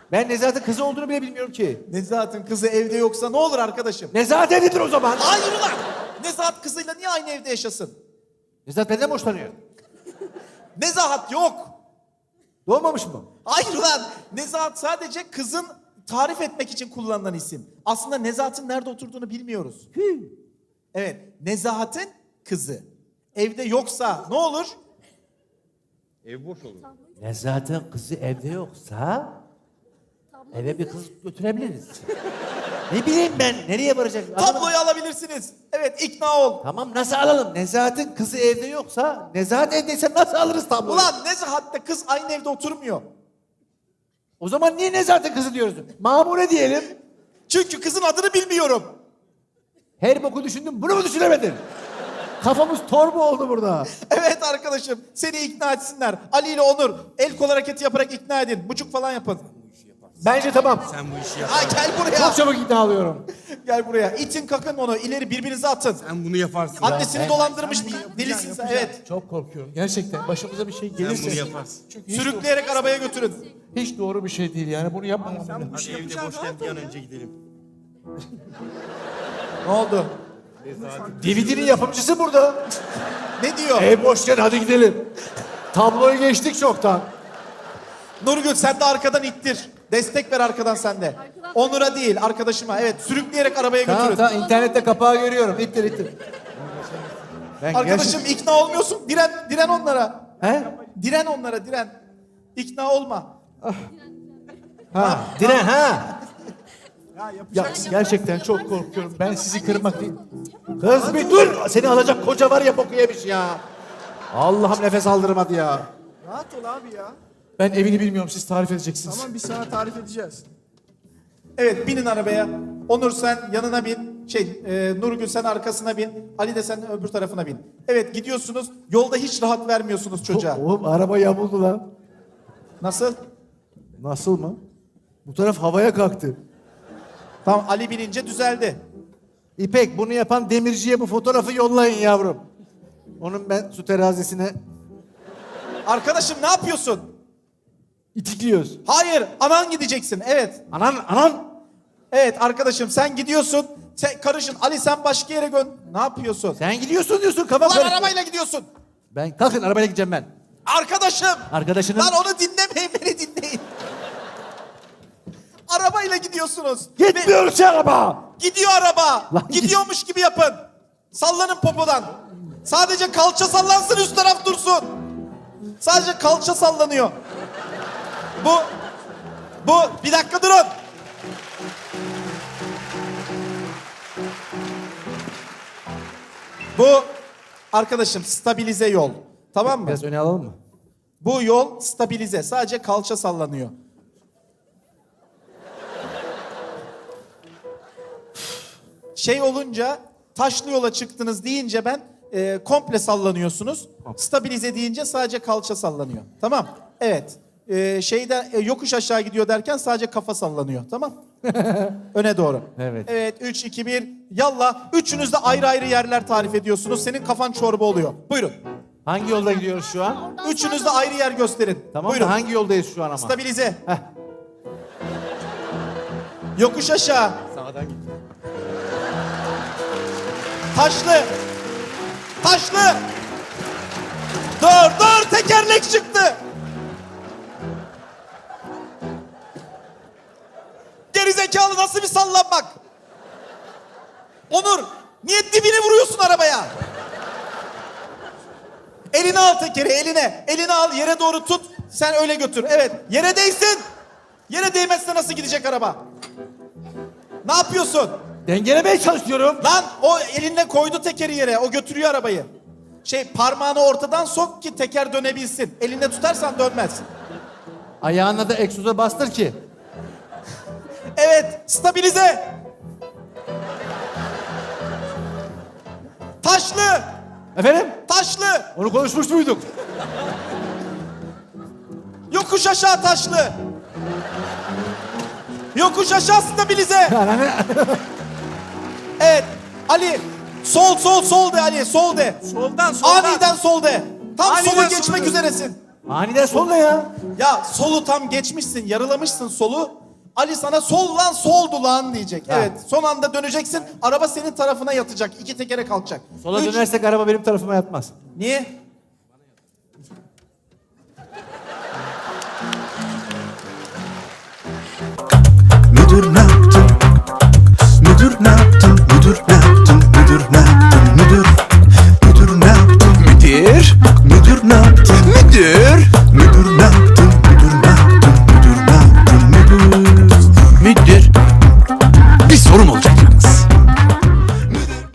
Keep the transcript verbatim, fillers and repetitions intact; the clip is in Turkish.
Ben Nezahat'ın kızı olduğunu bile bilmiyorum ki. Nezahat'ın kızı evde yoksa ne olur arkadaşım? Nezahat evlidir o zaman. Hayır ulan! Nezahat kızıyla niye aynı evde yaşasın? Nezahat benden boşanıyor. Nezahat yok. Doğmamış mı? Hayır ulan! Nezahat sadece kızın tarif etmek için kullanılan isim. Aslında Nezahat'ın nerede oturduğunu bilmiyoruz. Evet, Nezahat'ın kızı. Evde yoksa ne olur? Ev boş olur. Nezahat'ın kızı evde yoksa eve bir kız götürebiliriz. Ne bileyim ben nereye varacak? Tabloyu alabilirsiniz. Evet, ikna ol. Tamam nasıl alalım? Nezahat'ın kızı evde yoksa Nezahat evdeyse nasıl alırız tabloyu? Ulan Nezahat'la kız aynı evde oturmuyor. O zaman niye Nezahat'ın kızı diyoruz? Mamure diyelim. Çünkü kızın adını bilmiyorum. Her boku düşündüm bunu mu düşünemedin? Kafamız torba oldu burada. Evet arkadaşım, seni ikna etsinler. Ali ile Onur el kol hareketi yaparak ikna edin. Buçuk falan yapın. Bence tamam. Sen bu işi yap. Ay gel buraya. Çok çabuk ikna alıyorum. Gel buraya. İtin kakın onu. İleri birbirinize atın. Sen bunu yaparsın. Annesini ben- dolandırmış delisin sen. Evet. Çok korkuyorum. Gerçekten başımıza bir şey Sen gelirse. bunu yaparsın. Çünkü hiç, Sürükleyerek arabaya götürün. hiç doğru bir şey değil yani bunu yapmamam. Hadi evde boşken bir an önce gidelim. Ne oldu? D V D'nin yapımcısı burada. Ne diyor? Ev boşken hadi gidelim. Tabloyu geçtik çoktan. Nurgül sen de arkadan ittir. Destek ver arkadan sen de. Onur'a değil arkadaşıma. Evet sürükleyerek arabaya Tamam götürün. tamam internette kapağı görüyorum. İttir ittir. Ben Arkadaşım ikna olmuyorsun. Diren, diren onlara. He? Diren onlara diren. İkna olma. Ha. Diren ha. Ya gerçekten çok korkuyorum. Ben sizi kırmak değil. Kız bir dur. Seni alacak koca var ya boku yemiş ya. Allah'ım nefes aldırmadı ya. Rahat ol abi ya. Ben evini bilmiyorum siz tarif edeceksiniz. Tamam biz sana tarif edeceğiz. Evet binin arabaya. Onur sen yanına bin. Şey e, Nurgül sen arkasına bin. Ali de sen öbür tarafına bin. Evet gidiyorsunuz. Yolda hiç rahat vermiyorsunuz çocuğa. Oğlum araba yamuldu lan. Nasıl? Nasıl mı? Bu taraf havaya kalktı. Tamam Ali binince düzeldi. İpek bunu yapan demirciye bu fotoğrafı yollayın yavrum. Onun ben su terazisine Arkadaşım ne yapıyorsun? itikliyoruz. Hayır anan gideceksin. Evet. Anan anan. Evet arkadaşım sen gidiyorsun. Sen karışın. Ali sen başka yere gön. Ne yapıyorsun? Sen gidiyorsun diyorsun kafa Lan karıştı. arabayla gidiyorsun. Ben kalkın arabayla gideceğim ben. Arkadaşım. Arkadaşının Lan onu dinlemeyin beni dinleyin. Arabayla gidiyorsunuz. gitmiyor ki araba. Gidiyor araba. Lan git- Gidiyormuş gibi yapın. Sallanın popodan. Sadece kalça sallansın üst taraf dursun. Sadece kalça sallanıyor. Bu, bu bir dakika durun. Bu arkadaşım stabilize yol. Tamam mı? Biraz öne alalım mı? Bu yol stabilize. Sadece kalça sallanıyor. Şey olunca taşlı yola çıktınız deyince ben e, komple sallanıyorsunuz. Stabilize deyince sadece kalça sallanıyor. Tamam. Evet. E, şeyde e, yokuş aşağı gidiyor derken sadece kafa sallanıyor. Tamam. Öne doğru. Evet. Evet. üç, iki, bir. Yallah. Üçünüz de ayrı ayrı yerler tarif ediyorsunuz. Senin kafan çorba oluyor. Buyurun. Hangi yolda gidiyoruz şu an? Üçünüz de ayrı yer gösterin. Tamam Buyurun. da hangi yoldayız şu an ama? Stabilize. Heh. Yokuş aşağı. Sağdan git. Taşlı. Taşlı. Dur dur tekerlek çıktı. Gerizekalı nasıl bir sallanmak? Onur niye dibini vuruyorsun arabaya? Elini al tekeri eline. Elini al yere doğru tut. Sen öyle götür. Evet yere değsin. Yere değmezse nasıl gidecek araba? Ne yapıyorsun? Dengelemeye çalışıyorum. Lan o elinle koydu tekeri yere. O götürüyor arabayı. Şey parmağını ortadan sok ki teker dönebilsin. Elinde tutarsan dönmez. Ayağına da egzoza bastır ki. Evet stabilize. Taşlı. Efendim? Taşlı. Onu konuşmuş muyduk? Yokuş aşağı taşlı. Yokuş aşağı stabilize. Evet. Ali. Sol sol sol de Ali. Sol de. Soldan soldan. Aniden sol de. Tam Aniden sola geçmek sola. üzeresin. Aniden sol ne ya? Ya solu tam geçmişsin, yarılamışsın solu. Ali sana sol lan soldu lan diyecek. Ha. Evet, son anda döneceksin. Araba senin tarafına yatacak. İki tekere kalkacak. Sola Üç. dönersek araba benim tarafıma yatmaz. Niye? Müdür ne